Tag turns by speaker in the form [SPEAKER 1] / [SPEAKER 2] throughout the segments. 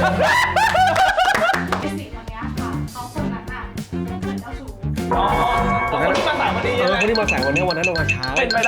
[SPEAKER 1] ไอ้สิ่งวันนี้ค่ะเขาคนนั้นน่ะเหมือนเจ้าชู้
[SPEAKER 2] คนที่มาสายวันนี้คนที่มาสายวันนี้วันนั้นเรามาช้าเป็นไปได้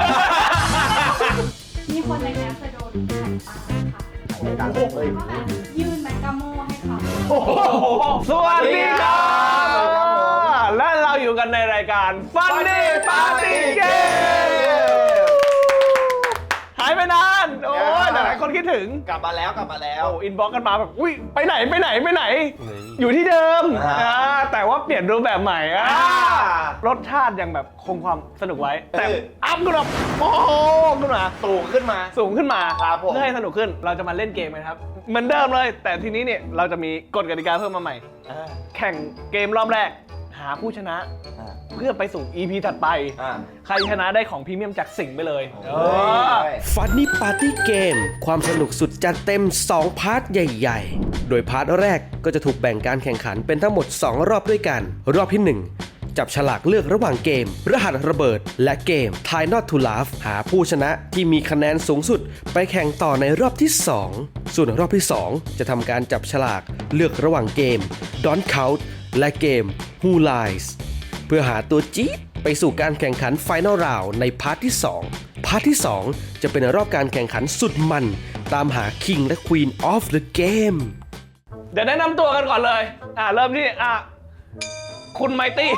[SPEAKER 1] มีคนในนี้เคยโดนไข่ปลาค่ะก็แบบยื่นแมกกาโมให้เขา
[SPEAKER 2] สวัสดีครับและเราอยู่กันในรายการ Funny Party Game หายไปนานโอ้ยหลายคนคิดถึง
[SPEAKER 3] กลับมาแล้ว
[SPEAKER 2] โอ้อินบ็อกกันมาแบบอุ้ยไปไหนอยู่ที่เดิมแต่ว่าเปลี่ยนรูปแบบใหม่รสชาติยังแบบคงความสนุกไว้แต่อัพขึ้นมาโอ้โหขึ้นมา
[SPEAKER 3] สูงขึ้นมา ครับผม
[SPEAKER 2] เพื่อให้สนุกขึ้นเราจะมาเล่นเกมกันครับเหมือนเดิมเลยแต่ทีนี้เนี่ยเราจะมีกฎกติกาเพิ่มมาใหม่แข่งเกมรอบแรกหาผู้ชนะเพื่อไปสู่ EP ถัดไปใครชนะได้ของพรีเมียมจากสิงห์ไปเลย
[SPEAKER 4] Funny Party Game ความสนุกสุดจัดเต็ม 2 พาร์ทใหญ่ๆ โดยพาร์ทแรกก็จะถูกแบ่งการแข่งขันเป็นทั้งหมด 2 รอบด้วยกัน รอบที่ 1 จับฉลากเลือกระหว่างเกม รหัสระเบิด และเกม Try Not to Laugh หาผู้ชนะที่มีคะแนนสูงสุดไปแข่งต่อในรอบที่ 2 ส่วนรอบที่ 2 จะทำการจับฉลากเลือกระหว่างเกม Don't Count และเกม Who Lies เพื่อหาตัวจี๊ดไปสู่การแข่งขัน Final Round ในพาร์ทที่ 2 พาร์ทที่ 2 จะเป็นรอบการแข่งขันสุดมันตามหา King และ Queen of the Game
[SPEAKER 2] เดี๋ยวแนะนำตัวกันก่อนเลยเริ่มที่คุณไมตี้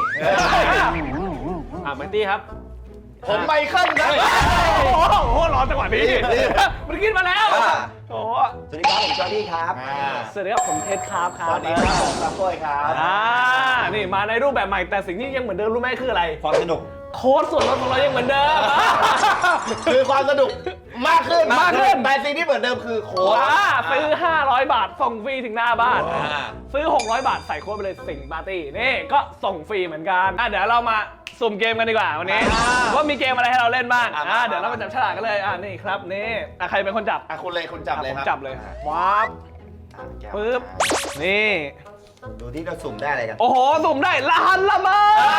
[SPEAKER 2] ไมตี้ครับ
[SPEAKER 3] ผมไมเคิลครับ
[SPEAKER 2] โอ้โหรอจังหวะนี้มันขึ้นมาแล้วโอ้
[SPEAKER 3] สวัสดีครับผมจอร์ดี้ครับ
[SPEAKER 2] สวัสดีครับผมเท็ดครับ
[SPEAKER 3] สวัสดีครับผมซัพโป้ยครับ
[SPEAKER 2] นี่มาในรูปแบบใหม่แต่สิ่งที่ยังเหมือนเดิมรู้ไหมคืออะไร
[SPEAKER 3] ความสนุก
[SPEAKER 2] โค้ดส่วนลดของเรายังเหมือนเดิม
[SPEAKER 3] คือความสนุกมากขึ้นแต่สิ่งที่เหมือนเดิมคือโค้ด
[SPEAKER 2] ซื้อ500 บาทส่งฟรีถึงหน้าบ้านซื้อ600 บาทใส่โค้ดไปเลยสิงห์ปาร์ตี้นี่ก็ส่งฟรีเหมือนกันเดี๋ยวเรามาสุ่มเกมกันดีกว่าวันนี้ว่ามีเกมอะไรให้เราเล่นบ้างเดี๋ยวเรามาจับฉลากกันเลยนี่ครับนี่ใครเป็นคนจับ
[SPEAKER 3] คุณจับเลย
[SPEAKER 2] ผม
[SPEAKER 3] ครับ
[SPEAKER 2] จับเลยว้าบปึ๊บนี่
[SPEAKER 3] ดูที่เราสุ่มได้อะไรกัน
[SPEAKER 2] โอ้โหสุ่มได้รหัสระเบิด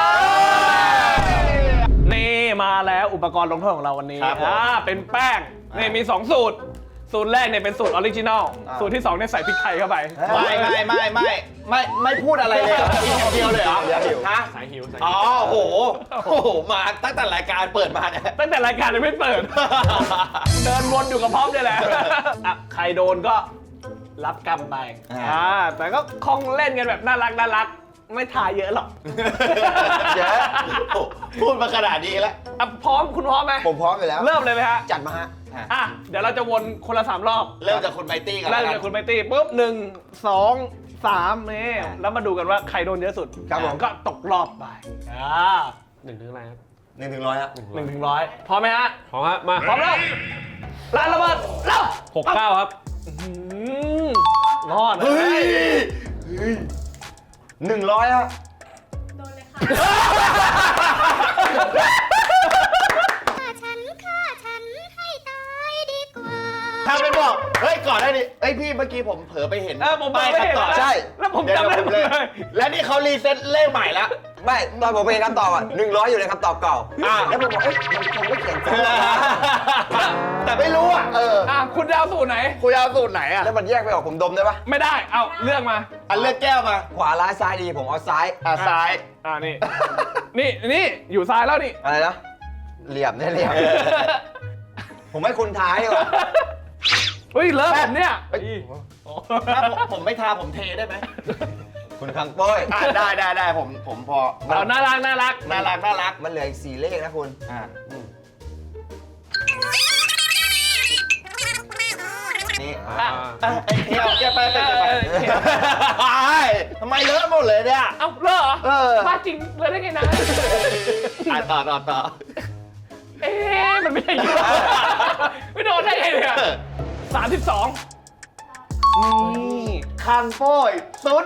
[SPEAKER 2] นี่มาแล้วอุปกรณ์ลงโทษของเราวันนี้เป็นแป้งนี่มี2สูตรแรกเนี่ยเป็นสูตรออริจินอลสูตรที่2เนี่ยใส่พริกไทยเข้าไป
[SPEAKER 3] ไม่พูดอะไรเลยกินอย่างเดียวเลยเหรอฮะ
[SPEAKER 2] สายหิว
[SPEAKER 3] อ๋อโอ้โหมาตั้งแต่รายการเปิดมาเนี่ย
[SPEAKER 2] ตั้งแต่รายการยังไม่เปิด เดินวนอยู่กับพร้อมเนี่ยแหละใครโดนก็รับกรรมไปแต่ก็คงเล่นกันแบบน่ารักไม่ทายเยอะหรอก
[SPEAKER 3] เยอะพูดมาขนาดนี้แล้ว
[SPEAKER 2] พร้อมคุณพร้อมไหม
[SPEAKER 3] ผมพร้อมอยู่แล้ว
[SPEAKER 2] เริ่มเลยไหมฮะ
[SPEAKER 3] จัดมาฮะ
[SPEAKER 2] เดี๋ยวเราจะวนคนละ3 รอบ
[SPEAKER 3] เริ่มจากคุณไมตี้ก่อน
[SPEAKER 2] เริ่มจากคุณไมตี้ปุ๊บ1 2 3นี่แล้วมาดูกันว่าใครโดนเยอะสุดก็ตกรอบไป1 ถึงอะไรครับ
[SPEAKER 3] 1 ถึง 100ฮะ
[SPEAKER 2] 1 ถึง 100พร้อมไหมฮะ
[SPEAKER 5] พร้อมฮะมา
[SPEAKER 2] พร้อมแล้วร้านระเบิดเร็ว
[SPEAKER 5] 69 ครับ
[SPEAKER 2] รอดเล
[SPEAKER 3] เฮ้ย
[SPEAKER 2] ย
[SPEAKER 3] 100ฮะ
[SPEAKER 1] โดนเลยค่ะ
[SPEAKER 6] ฆ่าฉันให้ตายดีกว่า
[SPEAKER 3] ทำเป็นบอกเฮ้ยก่อนได้ดิเอ้ยพี่เมื่อกี้ผมเผลอไปเห็น
[SPEAKER 2] ผมไม่เห็น
[SPEAKER 3] ต่อใช่
[SPEAKER 2] แล้วผมจำได้หมดเลย
[SPEAKER 3] และนี่เขารีเซ็ตเลขใหม่แล้ว
[SPEAKER 7] ไม่ตอนผมไปเห็นคำตอบ100 อยู่ในคำตอบเก่าแล้วผมบอกมันคงไม่เขียนถูก
[SPEAKER 3] แต่ไม่รู้
[SPEAKER 2] คุณจะเอาสูตรไหน
[SPEAKER 3] คุณเอาสูตรไหนอ่ะ
[SPEAKER 7] แล้วมันแยกไปออกผมดมได้ปะ
[SPEAKER 2] ไม่ได้เอาเลือกมา
[SPEAKER 3] เลือกแก้วมา
[SPEAKER 7] ขวาร้ายซ้ายดีผมเอาซ้าย
[SPEAKER 3] ซ้าย
[SPEAKER 2] นี่อยู่ซ้ายแล้วนี่
[SPEAKER 7] อะไรนะเหลี่ยมเนี่ยเหลี่ยมผมให้คุณท้ายดีกว่า
[SPEAKER 2] เฮ้ยเลิฟผมเนี่ย
[SPEAKER 3] ถ้าผมไม่ทาผมเทได้ไหม
[SPEAKER 7] คุณคังโป้ย
[SPEAKER 3] ได้ผมพอ
[SPEAKER 2] เอาน่ารัก
[SPEAKER 3] น่ารัก
[SPEAKER 7] มันเหลืออีก4 เลขนะคุณนี่
[SPEAKER 3] ไอ้เที่ยวแกไปทำไมเลอะหมดเลยเนี่ย
[SPEAKER 2] เอาเลิกเหรอบ้าจริงเลยได้ไงนะ
[SPEAKER 3] ต่อ
[SPEAKER 2] มันไม่ใช่อยู่ไม่โดนได้ไงเนี่ย32นี่
[SPEAKER 3] คังโป้ย08
[SPEAKER 1] โดน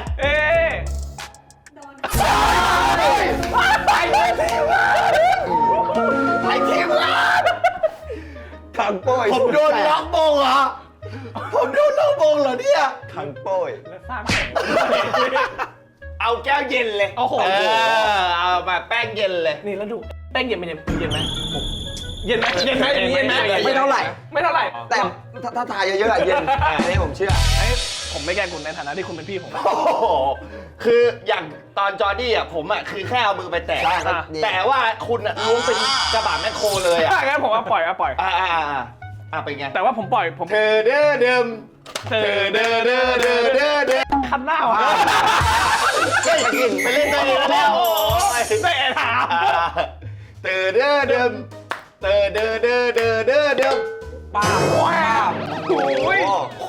[SPEAKER 3] ไปทีมงาน
[SPEAKER 7] คังโป้ย
[SPEAKER 3] ผมโดนล็อกมงเหรอเนี่ย
[SPEAKER 7] คังโป้ย
[SPEAKER 2] แล้วสร้างแข่ง
[SPEAKER 3] เอาแก้วเย็นเลย
[SPEAKER 2] โอ้โห
[SPEAKER 3] เอาแบบแป้งเย็นเลย
[SPEAKER 2] นี่แล้วดูแป้งเย็นไหมเย็นไหมเย็นไหมไห
[SPEAKER 7] ไม่เท่าไหร่
[SPEAKER 2] ไม่เท่าไหร่
[SPEAKER 7] แต่ถ้าทายเยอะๆเย็นอันนี้ผมเชื่อ
[SPEAKER 2] ผมไม่แกล้งคุณในฐานะที่คุณเป็นพี่ผม
[SPEAKER 3] โอ้โหคืออย่างตอนจอร์ดี้อ่ะผมอ่ะคือแค่เอามือไปแตะ
[SPEAKER 7] ใช่ครับ
[SPEAKER 3] แต่ว่าคุณอ่ะล้วงเป็นกระบะแมคโครเลยอ่ะ
[SPEAKER 2] ถ้างั้นผมว่าปล่อยปล่อย
[SPEAKER 3] เป็นไง
[SPEAKER 2] แต่ว่าผมปล่อยผม
[SPEAKER 3] เธอเด้อเดิมเธอเด้อเด้อเด้อเด้อเด้อ
[SPEAKER 2] คันหน้าวะ
[SPEAKER 3] เฮ้ยไปเล่นตัวเองแล้ว
[SPEAKER 2] โอ้ยไม่ถาม
[SPEAKER 3] เธอเด้อเดิมเธอเด้อเด้อเด้อเด้อเดิม
[SPEAKER 7] ป้าว้าว
[SPEAKER 2] โอ้ย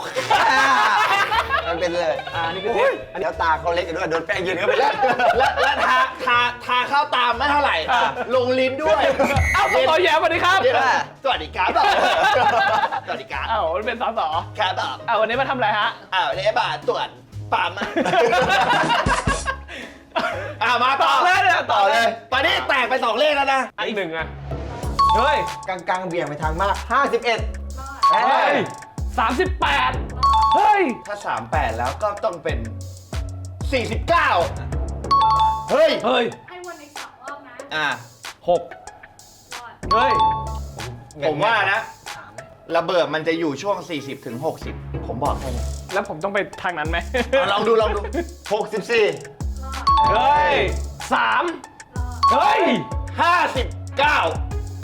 [SPEAKER 7] มันเป็นเลยนี่คือเทปอันนี้ตาเขาเล็กกันด้วยโดนแป้งยืนเข้าไปแล้ว
[SPEAKER 3] แล้วทาเข้าตามไม่เท่าไหร่ ลงลิ้นด้วย
[SPEAKER 2] เอ้าต่อแย้มสวัสดีครับ
[SPEAKER 3] สวัสดีครับสวัสดีครับ
[SPEAKER 2] เอ้ามันเป็นสส
[SPEAKER 3] ครับ
[SPEAKER 2] เอ้าวันนี้มาทำอะไรฮะ
[SPEAKER 3] เนี่ยบาตรวจปามมามาต่อ
[SPEAKER 2] เลยเนี่ย
[SPEAKER 3] ต่อเลย ตอนนี้แตกไป2เลขแล้วนะ
[SPEAKER 2] อีกหนึ่งอะเฮ้ย
[SPEAKER 7] กลางๆเบี่ยงไปทางมาก 51
[SPEAKER 2] เฮ้ย38เฮ้ย
[SPEAKER 3] ถ้า 38 แล้วก็ต้องเป็น 49 เฮ้ย
[SPEAKER 2] เฮ้ย
[SPEAKER 1] ให้วนอีก2 รอบนะ
[SPEAKER 2] 6
[SPEAKER 1] รอด
[SPEAKER 2] เฮ้ย
[SPEAKER 3] ผมว่านะ ระเบิดมันจะอยู่ช่วง 40 ถึง 60 ผมบอกให้นะ
[SPEAKER 2] แล้วผมต้องไปทางนั้นไหม
[SPEAKER 3] ลองดู
[SPEAKER 7] 64
[SPEAKER 1] รอด
[SPEAKER 2] เฮ้ย3
[SPEAKER 1] รอด
[SPEAKER 2] เฮ้ย
[SPEAKER 3] 59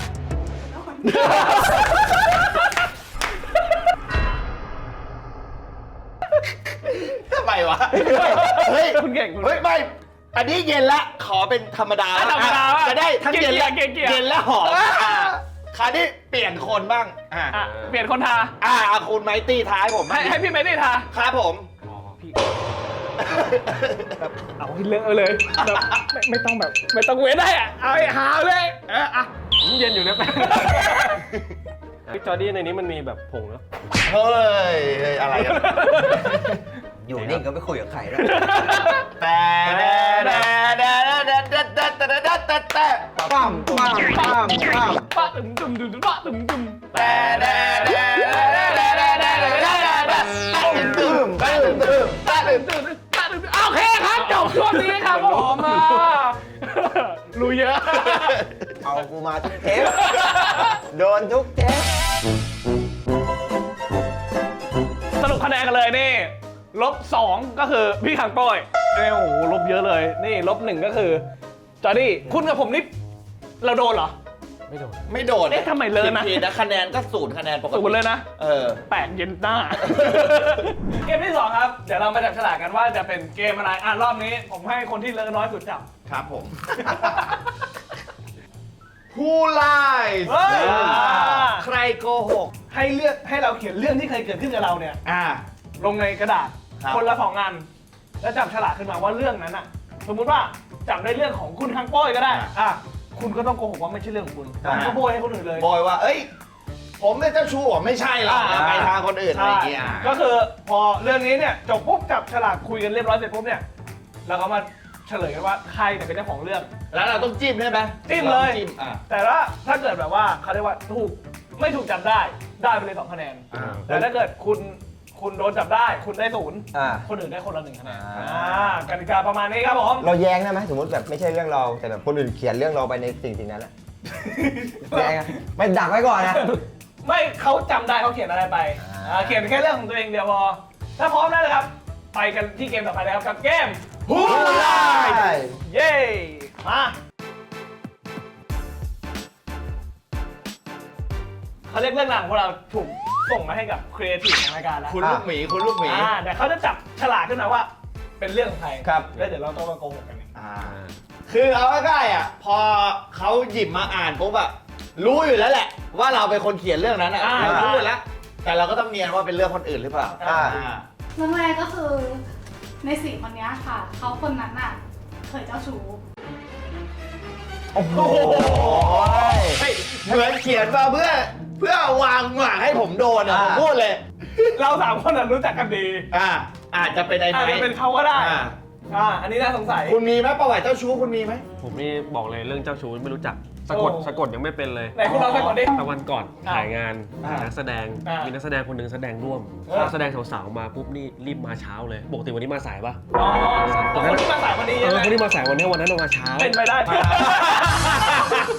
[SPEAKER 3] ทำไมวะ เฮ้ย
[SPEAKER 2] คุณเก่งคุณ
[SPEAKER 3] เฮ้ย ไม่ อันนี้เย็นละ ขอเป็นธรรมดา
[SPEAKER 2] ธรรมดา
[SPEAKER 3] จะได้ทั้งเย็นและ
[SPEAKER 2] เกลี่ยๆ
[SPEAKER 3] เย็นและหอมคราวนี้เปลี่ยนคนบ้าง
[SPEAKER 2] อ่ะเปลี่ยนคนทา
[SPEAKER 3] คุณไมตี้ท้ายผม
[SPEAKER 2] ให้พี่ไม่ได้ทา
[SPEAKER 3] ครับผม
[SPEAKER 2] เอาที่เลือกเอาเลยแบบไม่ต้องแบบไม่ต้องเว้นได้อะเอาให้หาเลยอ่ะเย็นอยู่นะแม่
[SPEAKER 5] พี่จอร์ดี้ในนี้มันมีแบบผงแล้ว
[SPEAKER 3] เฮ้ย อะไรกัน
[SPEAKER 7] อยู่นิ่งก็ไม่คุยกับใครแล้ว
[SPEAKER 3] แต่ปั๊มปั๊มปั๊มปั๊ม
[SPEAKER 2] ปะตึมตึมตึมปะตึมตึม
[SPEAKER 3] แต่ตึมตึมตึมตึมตึม
[SPEAKER 2] โอเคครับจบช่วงนี้ครับผมรู้เยอะ
[SPEAKER 7] เอากูมาทุกเทปโดนทุกเทป
[SPEAKER 2] สรุปคะแนนกันเลยนี่-2ก็คือพี่ขังโป้ยโอ้โหลบเยอะเลยนี่-1ก็คือจอร์ดี้คุณกับผมนี่เราโดนเหรอ
[SPEAKER 3] ไม่โดน
[SPEAKER 2] เอ๊ะทำไมเลยนะ
[SPEAKER 3] ผิดนะคะแนนก็0คะแนนปกติ
[SPEAKER 2] สูงเลยนะ แปลกเย็นหน้า เกมที่ 2 ครับ เดี๋ยวเรามาจับฉลากกันว่าจะเป็นเกมอะไรรอบนี้ผมให้คนที่เลอะน้อยสุดจับ
[SPEAKER 3] ครับผม ผู้ไล่
[SPEAKER 2] เฮ้ย
[SPEAKER 3] ใครโกหก
[SPEAKER 2] ให้เราเขียนเรื่องที่เคยเกิดขึ้นกับเราเนี่ย ลงในกระดาษ
[SPEAKER 3] ครับ
[SPEAKER 2] คนละ2 อันแล้วจับฉลากขึ้นมาว่าเรื่องนั้นอ่ะ สมมุติว่าจับได้เรื่องของคุณคังโป้ยก็ได้คุณก็ต้องโกหกว่าไม่ใช่เรื่องของคุณคุณก็โบยให้คนอื่นเลย
[SPEAKER 3] บอยว่า เอ้ย ผมเป็นเจ้าชู้ไม่ใช่หรอกไปทางคนอื่นอะไรอย่างเงี้ย
[SPEAKER 2] ก็คือพอเรื่องนี้เนี่ยจบปุ๊บจับฉลากคุยกันเรียบร้อยเสร็จปุ๊บเนี่ยเราก็มาเฉลยกันว่าใครเนี่ยเป็นเจ้าของเรื่อง
[SPEAKER 3] แล้วเราต้องจิ้มใช่ไหม
[SPEAKER 2] จิ้มเลย
[SPEAKER 3] จิ้ม
[SPEAKER 2] แต่ว่าถ้าเกิดแบบว่าเขาเรียกว่าไม่ถูกจับได้ไปเลย2 คะแนน แต่ถ้าเกิดคุณโดนจับได้คุณได้0คนอื่นได้คนละ1 คะแนนกติกาประมาณนี้ครับผม
[SPEAKER 7] เราแย้งได้ไหมสมมติแบบไม่ใช่เรื่องเราแต่แบบคนอื่นเขียนเรื่องเราไปในสิ่งนั้นแหละแย้งอะไม่ดักไว้ก่อนนะ
[SPEAKER 2] ไม่เขาจำได้เขาเขียนอะไรไปเขียนแค่เรื่องของตัวเองเดียวพอถ้าพร้อมแล้วนะครับไปกันที่เกมต่อไปเลยครับกับเกม
[SPEAKER 3] ผู้ไล่
[SPEAKER 2] เย้มาเขาเรียกเรื่องราวของพวกเราถูกส่งมาให้กับครีเอทีฟของรายการแล้ว
[SPEAKER 3] คุณลูกหมีคุณลูกหมี
[SPEAKER 2] แต่เขาจะจับฉลากขึ้นมาว่าเป็นเรื่องของใคร
[SPEAKER 3] ครับ
[SPEAKER 2] แล้วเดี๋ยวเราต้องมาโกหกกันเอง
[SPEAKER 3] คือเอาง่ายๆอ่ะพอเขาหยิบมาอ่านปุ๊บอะรู้อยู่แล้วแหละ ว่าเราเป็นคนเขียนเรื่องนั้นอะเรารู้อยู่แล้ว แต่เราก็ต้องเนียนว่าเป็นเรื่องคนอื่นหรือเปล่า
[SPEAKER 1] เรื่องแรกก็คือใน4 คนนี้ค่ะเขาคนนั้นน่ะเคยเจ้าชู้
[SPEAKER 7] โอ้โห
[SPEAKER 3] เหมือนเขียนมาเพื่อวางหมากให้ผมโดนอะผมพูดเลย
[SPEAKER 2] เรา3 คนรู้จักกันดี
[SPEAKER 3] อาจจะเป็นไอ้
[SPEAKER 2] อาจ
[SPEAKER 3] ไม้
[SPEAKER 2] จะเป็นเขาก็ได้อันนี้น่าสงสัย
[SPEAKER 3] คุณมีไหมประวัติเจ้าชู้คุณมีไหม
[SPEAKER 5] ผมนี่บอกเลยเรื่องเจ้าชู้ไม่รู้จัก
[SPEAKER 2] โอ้
[SPEAKER 5] สะกดยังไม่เป็นเลย
[SPEAKER 2] ไหนคุณลองสักก่อนดิ
[SPEAKER 5] แต่วันก่อนถ่ายงาน
[SPEAKER 3] อ่า
[SPEAKER 5] นักแสดง มีนักแสดงคนหนึ่งแสดงร่วม
[SPEAKER 2] เออ
[SPEAKER 5] นักแสดงสาวๆมาปุ๊บนี่รีบมาเช้าเลยปกติวันนี้มาสายปะ
[SPEAKER 2] คนที่มาสายวันนี้
[SPEAKER 5] คนที่มาสายวันนี้วันนั้นเรามาเช้า
[SPEAKER 2] เป็นไปได้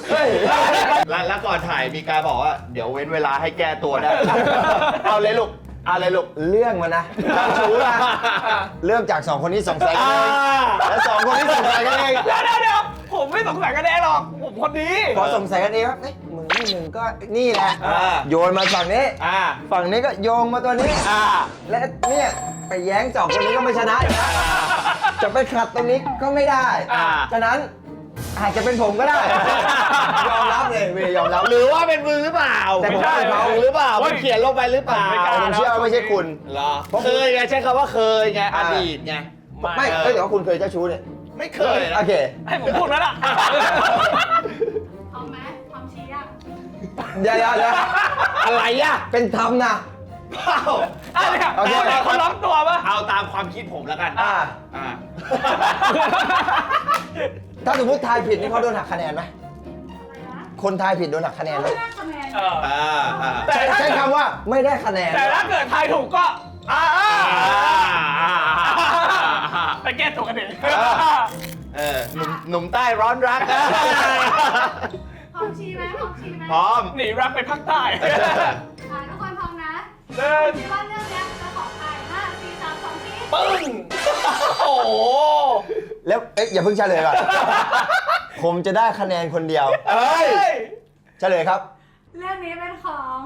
[SPEAKER 3] แล้วก่อนถ่ายมีการบอกว่าเดี๋ยวเว้นเวลาให้แก้ตัวได้ เอาเลยลูกอะไรลูก
[SPEAKER 7] เรื่องมันนะเจ้าชู้นะเริ่มจาก2คนนี้สงสัยกันเองแล้ว2คนนี้สงสัยกันเอง
[SPEAKER 2] เดี๋ยวผมไม่สงสัยกันเองหรอกผมคนดี
[SPEAKER 7] พอสงสัยกันเองครับเอ้ยมึงไม่มึงก็นี่แหละ โยนมาฝั่งนี้ ฝั่งนี้ก็โยงมาตัวนี้ และเนี่ยไปแย้ง2คนนี้ก็ไม่ชนะอีกนะจะไปขัดตรงนี้ก็ไม่ได้ ฉะนั้นอาจจะเป็นผมก็ได้ ยอมรับเลยเวยยอมรับ
[SPEAKER 3] หรือว่าเป็นมึงหรือเปล่า
[SPEAKER 7] แต่ผมว่าเป็นเขา
[SPEAKER 3] หรือเปล่ามันเขียนลงไปหรือเปล่า
[SPEAKER 7] ผมเชื่อว่าไม่ใช่คุณ
[SPEAKER 3] เหรอเคยไงใช้คำว่าเคยไงอดีตไง
[SPEAKER 7] ไม่เอ้ยแต่ว่าคุณเคยเจ้าชู้เนี่ย
[SPEAKER 3] ไม่เคยนะ
[SPEAKER 7] โอเค
[SPEAKER 2] ให้ผมพูดไหมล่ะ
[SPEAKER 1] พร้อมไหมพร้อมชี้ยัง
[SPEAKER 7] เดี๋ยว
[SPEAKER 3] อะไรอ่ะ
[SPEAKER 7] เป็นธรรมนะ
[SPEAKER 3] เปล่า
[SPEAKER 2] เนี่ย
[SPEAKER 7] โอเค
[SPEAKER 2] เขาล็อกตัวปะ
[SPEAKER 3] เอาตามความคิดผมแล้วกัน
[SPEAKER 7] อ่า
[SPEAKER 3] อ่า
[SPEAKER 7] ถ้าสมมติทายผิดนี่เขาโดนหักคะแนนไหม
[SPEAKER 1] อะไรนะ
[SPEAKER 7] คนทายผิดโดนหักคะแนนไหม
[SPEAKER 1] ไม่ได้คะแนน
[SPEAKER 7] ใช้คำว่าไม่ได้คะแนน
[SPEAKER 2] แต่ถ้าเกิดทายถูกก็ไปแก้ตัวกันเอง
[SPEAKER 3] หนุ่มใต้ร้อนรักนะ
[SPEAKER 1] พร้อมชี้ไหมพร้อมชี้ไหม
[SPEAKER 3] พร้อม
[SPEAKER 2] หนีรักไปภาคใต้
[SPEAKER 1] ทุกคนพร้อมนะ
[SPEAKER 2] เดิน
[SPEAKER 1] คิดว่าเรื่องเนี้ยจะของใคร5 4 3 2ชี้
[SPEAKER 2] ปึ้งโอ้โห
[SPEAKER 7] แล้วเอ๊ะอย่าเพิ่งเฉลยก่อน ผมจะได้คะแนนคนเดียว
[SPEAKER 3] เอ้ย
[SPEAKER 7] เฉลยครับ
[SPEAKER 1] เรื่องนี้เป็นของ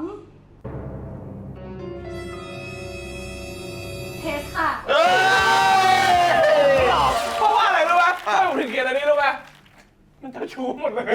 [SPEAKER 1] เทสค่ะ
[SPEAKER 3] เอ้ย
[SPEAKER 2] เพราะว่าอะไรรู้ไหมทำไมผมถึงเขียนอันนี้รู้ไหมมันเจ้าชู้หมดเลย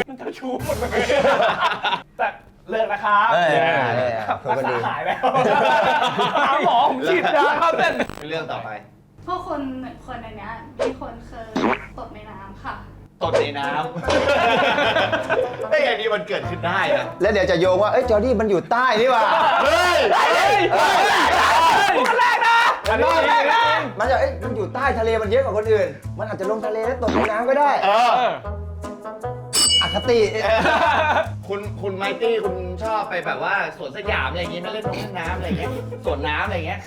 [SPEAKER 2] แต่เลิกนะครับ
[SPEAKER 7] เอ้ย
[SPEAKER 2] รักษาหายแล้วหาหมอผมฉีดยาครับเต้น
[SPEAKER 3] เรื่องต่อไป
[SPEAKER 1] พวกคนหนึ่งคนในเนี้ยมีคนเคยตกในน้ำค่ะ
[SPEAKER 3] ตดในน้ำไอ้อย่างนี้มันเกิดขึ้นได้นะ
[SPEAKER 7] แล้วเดี๋ยวจะโยงว่า เอ้ยจอร์ดี้มันอยู่ใต้นี่หว่า
[SPEAKER 3] เฮ้ย
[SPEAKER 2] คนแรกนะ
[SPEAKER 7] มันจะเอ้ยมันอยู่ใต้ทะเลมันเยอะกว่าคนอื่น มันอาจจะลงทะเลแล้วตกในน้ำก็ได้ อคติ
[SPEAKER 3] คุณไมตี้คุณชอบไปแบบว่าสวนสยามอะไรอย่างงี้มาเล่นน้ำอะไรอย่างเงี้ยสวนน้ำอะไรอย่างเงี้ย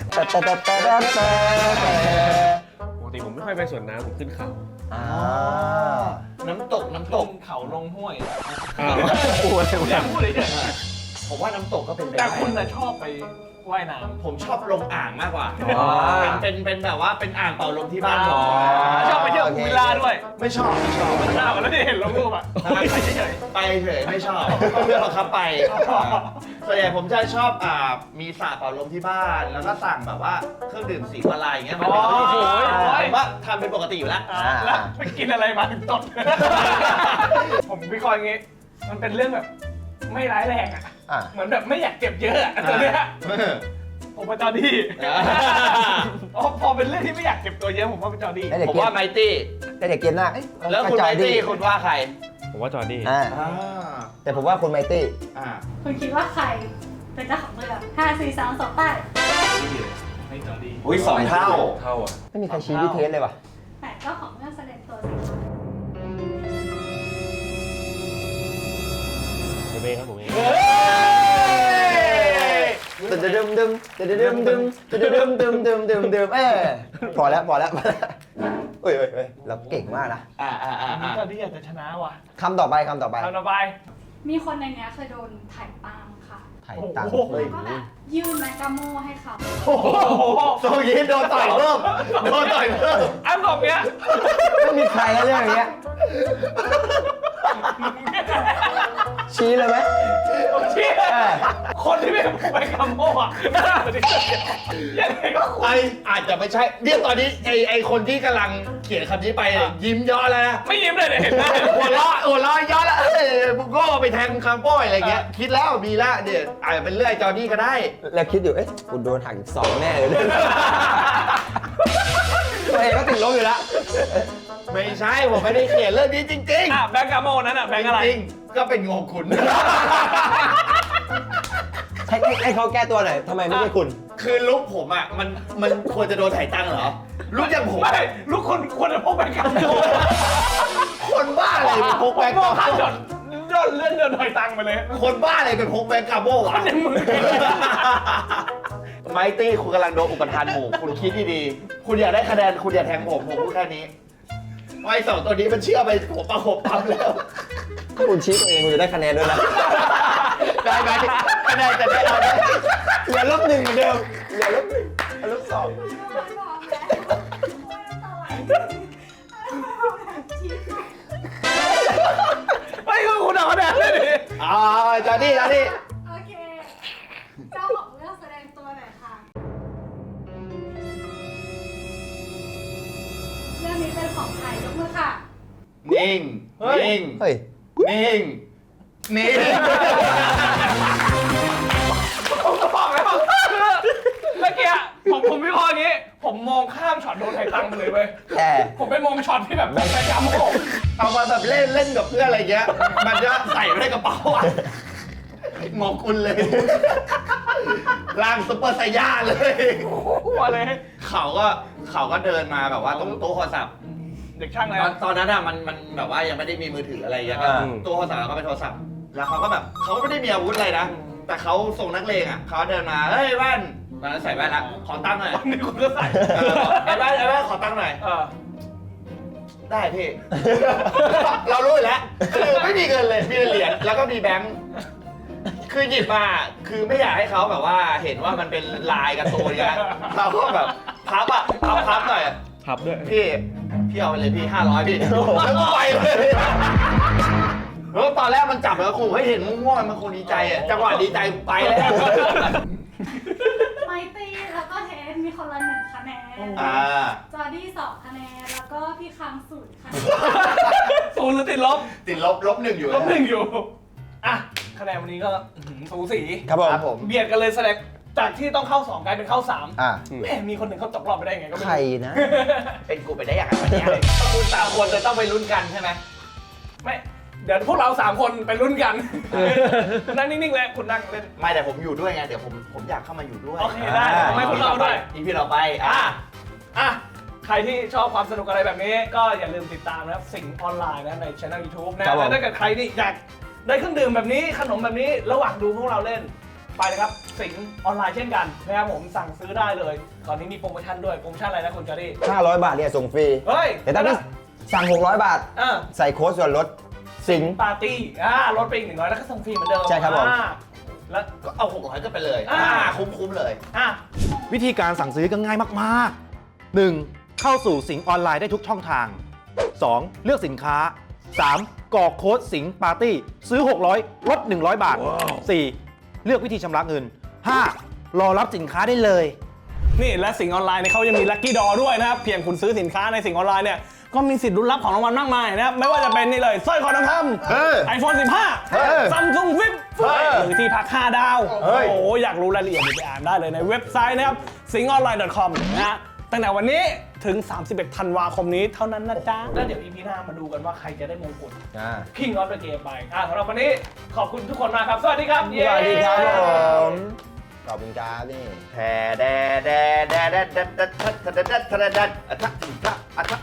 [SPEAKER 5] ปกติผมไม่ค่อยไปสวนน้ำผมขึ้นเขา
[SPEAKER 3] น้ำตก
[SPEAKER 2] เขาลงห้วย
[SPEAKER 5] อ้าว
[SPEAKER 2] อยากพูดเลยเนี่ย
[SPEAKER 3] ผมว่าน้ำตกก็เป็นไป
[SPEAKER 2] แต่
[SPEAKER 3] ได้
[SPEAKER 2] คุณน่ะชอบไปว่ายน้ำ
[SPEAKER 3] ผมชอบลงอ่างมากกว่า
[SPEAKER 7] อ๋อ
[SPEAKER 3] เป็นแบบว่าเป็นอ่างเป่าลมที่บ้านผม
[SPEAKER 2] ชอบไปเที่ยวพูลวิลล่าด้วย
[SPEAKER 3] ไม่ชอบ
[SPEAKER 2] อ้าวแล้วที่เห็นลงรูปอ่ะไปเฉย
[SPEAKER 3] ไปเฉยไม่ชอบเพื่อนบังคับไปส่วนใหญ่ผมจะชอบมีสระเป่าลมที่บ้าน แล้วก็สั่งแบบว่าเครื่องดื่มสีวาลายอย่างเงี้ยมันเป็นผมว่าทำเป็นปกติอยู่แล้ว
[SPEAKER 2] แล้วไปกินอะไรมาถึงตดผมวิเคราะห์อย่างงี้ มันเป็นเรื่องแบบไม่ร้ายแรงอ่ะ เหมือนแบบไม่อยากเจ็บเยอะอ่ะตัวเนี้ยผมเป็นจอร์ดี้พอเป็นเรื่องที่ไม่อยากเจ็บตัวเยอะผมว่าเป็นจอร์ดี้
[SPEAKER 3] ผมว่าไมตี้
[SPEAKER 7] แต่เด็กเกมหน้าเอ้ย
[SPEAKER 3] แล้วคุณไมตี้คุณว่าใคร
[SPEAKER 5] ผมว่าจอร์ดี้
[SPEAKER 7] แต่ผมว่าคุณไมตี้
[SPEAKER 1] คุณคิดว่าใครเป็นเจ้าของเรื่อง5 4 3 2ไป
[SPEAKER 2] ให้จอร์ดี้
[SPEAKER 3] อุ้ยสองเท่า
[SPEAKER 5] เท่าอ่ะ
[SPEAKER 7] ไม่มีใครชี้พี่เทสเลยว่ะ
[SPEAKER 1] แต่เจ้าของเรื่องแสดงตัวสิคะ
[SPEAKER 5] ผมเองครับผมเอง
[SPEAKER 7] ดึมพอแล้วเอ้ยเราเก่งมากนะ
[SPEAKER 2] จอร์ดี้อยากจะชนะว่ะ
[SPEAKER 7] คำต่อไป
[SPEAKER 2] ทำต่อไป
[SPEAKER 1] มีคนในเนี้ยเคยโดนถ่ายตังค์ค่ะ
[SPEAKER 7] ไถ่ตังค์
[SPEAKER 2] โอ้โห
[SPEAKER 1] แล้วก็แบบยื่นแมกกาโมให้เขา
[SPEAKER 2] โอ้โห
[SPEAKER 3] โซยีโดนต่อยเพิ่มโดนต่อยเพิ่ม
[SPEAKER 2] อันสองเนี้ย
[SPEAKER 7] ไม่มีใครนะเรื่องอย่างเงี้ย ชี้เลยไหม
[SPEAKER 2] ผมเชื่อคนที่เป็นผู้ไปคำโม่อะยังไงก็ควร
[SPEAKER 3] อาจจะไม่ใช่เนี่ยตอนนี้ไอคนที่กำลังเขียนคำนี้ไปยิ้มย่อแล้วนะ
[SPEAKER 2] ไม่ยิ้มเลยเนี่ยเห็นไหม
[SPEAKER 3] หัวเราะย่อแล้วบุกโก้ไปแทงคำโป้ยอะไรเงี้ยคิดแล้วมีแล้วเดี๋ยวอาจจะเป็นเรื่องจอร์ดี้ก็ได้
[SPEAKER 7] แล้วคิดอยู่ เอ๊ะกูโดนหักอีก2แน่เลยตัวเองก็ติดลบอยู่แล้ว
[SPEAKER 3] ไม่ใช่ผมไม่ได้เขียนเรื่องนี้จริง
[SPEAKER 2] อ่ะแบงก์กาโมนั้นอ่ะแบงก์อะไร
[SPEAKER 3] จริงๆก็เป็นงงคุณ
[SPEAKER 7] ให้เขาแก้ตัวหน่อยทำไมไม่ใช่คุณ
[SPEAKER 3] คือลุกผมอ่ะมันควรจะโดนถ่ายตังค์เหรอลุกอย่างผม
[SPEAKER 2] ไม่ลูกคนควรจะพกแบงก์กาโม
[SPEAKER 3] คนบ้าอะไรเป็นพกแบงก์
[SPEAKER 2] โม่
[SPEAKER 3] กา
[SPEAKER 2] ข้าม
[SPEAKER 3] โม่
[SPEAKER 2] จนเลื่อนเดินถอยตังค์ไปเลย
[SPEAKER 3] คนบ้าอะไรเป็นพกแบงก์กาโม่วะ
[SPEAKER 2] ในมือ
[SPEAKER 3] ไมตี้คุณกำลังโดนอุปทานหมู่คุณคิดดีๆคุณอยากได้คะแนนคุณอย่าแทงผมพูดแค่นี้ไอ้สองตัวนี้มันเชื่อไปผมประคบปั๊มแล้ว
[SPEAKER 7] คุณชี้ตัวเองคุณจะได้คะแนนด้วยนะ
[SPEAKER 3] ได้ได้ไหมไม่ได้จะได้เอาไหมเหลือลบหนึ่งเหมือนเดิมเหลือลบหนึ่งลบสอง
[SPEAKER 2] ไม่คือคุณเอาคะแนนเลยดิ
[SPEAKER 3] จอร์ดี้
[SPEAKER 1] โอเค เจ้าของเรื่องแสดงตัวหน่อยค่ะ เรื่องนี้เป็นของใครยกมือค่ะ
[SPEAKER 3] นิ่ง นิ่ง
[SPEAKER 7] เฮ้ย
[SPEAKER 3] นิ่ง นิ่ง
[SPEAKER 2] ผมก็บอกแล้วเมื่อกี้ผมวิเคราะห์อย่างนี้ ผมมองข้ามช็อตโดนไทยตังไปเลยเว้ย
[SPEAKER 7] แต่
[SPEAKER 2] ผมไปมองช็อตที่แบบแบงค์จำผม
[SPEAKER 3] เอามาแบบเล่นกับเพื่อนอะไรเงี้ย มันจะใส่ไว้ในกระเป๋าอ่ะหมอคุณเลยร่างซุปเปอร์ไซย่าเลย
[SPEAKER 2] ว่าเลย
[SPEAKER 3] เขาก็เดินมาแบบว่าตรงโต๊ะโทรศัพท์
[SPEAKER 2] เด็กช่างอะไร
[SPEAKER 3] ตอนนั้นอะมันแบบว่ายังไม่ได้มีมือถืออะไรอย่างเงี้ยตัวโทรศัพท์เราก็เป็นโทรศัพท์ แล้วเขาก็แบบเขาไม่ได้มีอาวุธอะไรนะ แต่เขาส่งนักเลงอะเขาเดินมา เฮ้ยแว่นตอนนั้นใส่แว่นละขอตั้งค์หน่อย
[SPEAKER 2] นี่คุณก็ใส่
[SPEAKER 3] ไอ้แว่นขอตั้งค์หน่อย
[SPEAKER 2] เออ
[SPEAKER 3] ได้พี่ เรารู้อยู่แล้วคือไม่มีเงินเลย มีแต่เหรียญแล้วก็มีแบงค์ คือหยิบมา คือไม่อยากให้เขาแบบว่าเห็นว่ามันเป็นลายการ์ตูนไงเราก็แบบพับหน่อย
[SPEAKER 5] พับด้วย
[SPEAKER 3] พี่เอาไปเลยพี่500พี่แล้วก็ไปเลยแล้วตอนแรกมันจับแล้วขู่ให้เห็นง่วงๆมันคงดีใจอ่ะจังหวะดีใจไปแล้ว
[SPEAKER 1] ไมตี้แล้วก็เทนมีคนละ1 คะแนน จอร์ดี้2 คะแนน แล้วก็พี่คัง0 คะแนน
[SPEAKER 2] ศูนย์หรือติดลบ
[SPEAKER 3] ติดลบหนึ่งอยู่
[SPEAKER 2] ลบ1อยู่ อ่ะ คะแนนวันนี้ก็สูสี
[SPEAKER 7] ครับผม
[SPEAKER 2] เบียดกันเลยแสดงจากที่ต้องเข้า 2 กลายเป็นเข้า 3
[SPEAKER 7] อ่ะ
[SPEAKER 2] แหมมีคนหนึ่งเขาตกรอบไปได้ไงก็ไม่
[SPEAKER 7] ใคร
[SPEAKER 2] รู้
[SPEAKER 7] นะ
[SPEAKER 3] เป็นกูไปได้อย่างไรวันนี้คุณสามคนจะต้องไปลุ้นกันใช่ไหม
[SPEAKER 2] ไม่ เดี๋ยวพวกเรา 3 คนไปลุ้นกัน นั่งนิ่งๆเลยคุณนั่งเล่น
[SPEAKER 3] ไม่แต่ผมอยู่ด้วยไงเดี๋ยวผมอยากเข้ามาอยู่ด้วย
[SPEAKER 2] โอเคได้ทำให้คุณเราด้วย
[SPEAKER 3] อีพีเราไป
[SPEAKER 2] อ่ะ ใครที่ชอบความสนุกอะไรแบบนี้ ก็อย่าลืมติดตามนะครับสิ่งออนไลน์นะในช่อง YouTube นะครับ
[SPEAKER 7] ผม
[SPEAKER 2] แล้วถ้าเกิดใครที่อยากได้เครื่องดื่มแบบนี้ขนมแบบนี้ระหว่างดูพวกเราเล่นไปเลยครับสิ่งออนไลน์เช่นกันนะครับผมสั่งซื้อได้เลยตอนนี้มีโปรโมชั่นด้วยโปรโมชั่นอะไรนะคุณจอร์ดี้
[SPEAKER 7] 500 บาทเนี่ยส่งฟรี
[SPEAKER 2] เฮ้ย
[SPEAKER 7] แต่ถ้าพี่สั่ง 600 บาท ใส่โค้ดส่วนลดสิงห์
[SPEAKER 2] ปาร์ตี้ลดไปอีก100แล้วก็ส่งฟรีเหมือนเดิม
[SPEAKER 7] ใช่ครับผม
[SPEAKER 2] แล้ว
[SPEAKER 3] ก็เอา600ก็ไปเลย คุ้มเลย
[SPEAKER 2] อ่ะ
[SPEAKER 8] วิธีการสั่งซื้อก็ง่ายมากๆ 1. เข้าสู่สิงห์ออนไลน์ได้ทุกช่องทาง 2. เลือกสินค้า 3. กรอกโค้ดสิงห์ปาร์ตี้ซื้อ 600 ลด 100 บาท 4. เลือกวิธีชำระเงิน 5. รอรับสินค้าได้เลย
[SPEAKER 2] นี่และสิ่งออนไลน์เนี่ยเขายังมีลัคกี้ดอด้วยนะครับเพียงคุณซื้อสินค้าในสิ่งออนไลน์เนี่ยก็มีสิทธิ์ลุ้นรับของรางวัลมากมายนะครับไม่ว่าจะเป็นนี่เลยสร้อยคอทองคำ iPhone 15 Samsung Flip หรือที่พัก 5 ดาว โอ้โหอยากรู้รายละเอียดไปอ่านได้เลยในเว็บไซต์นะครับ singonline.com นะฮะตั้งแต่วันนี้ถึง 31 ธันวาคมนี้เท่านั้นนะจ๊ะ แล้วเดี๋ยว EP หน้ามาดูกันว่าใครจะได้มงกุฎ King of the Game ไปสำหรับวันนี้ขอบคุณทุกคนมากครับ สวัสดีครับ
[SPEAKER 7] สวัสดีครับผมขอบคุณครับนี่
[SPEAKER 3] แทแดแดแดแดแดแดแดแดแดแดแดแดแด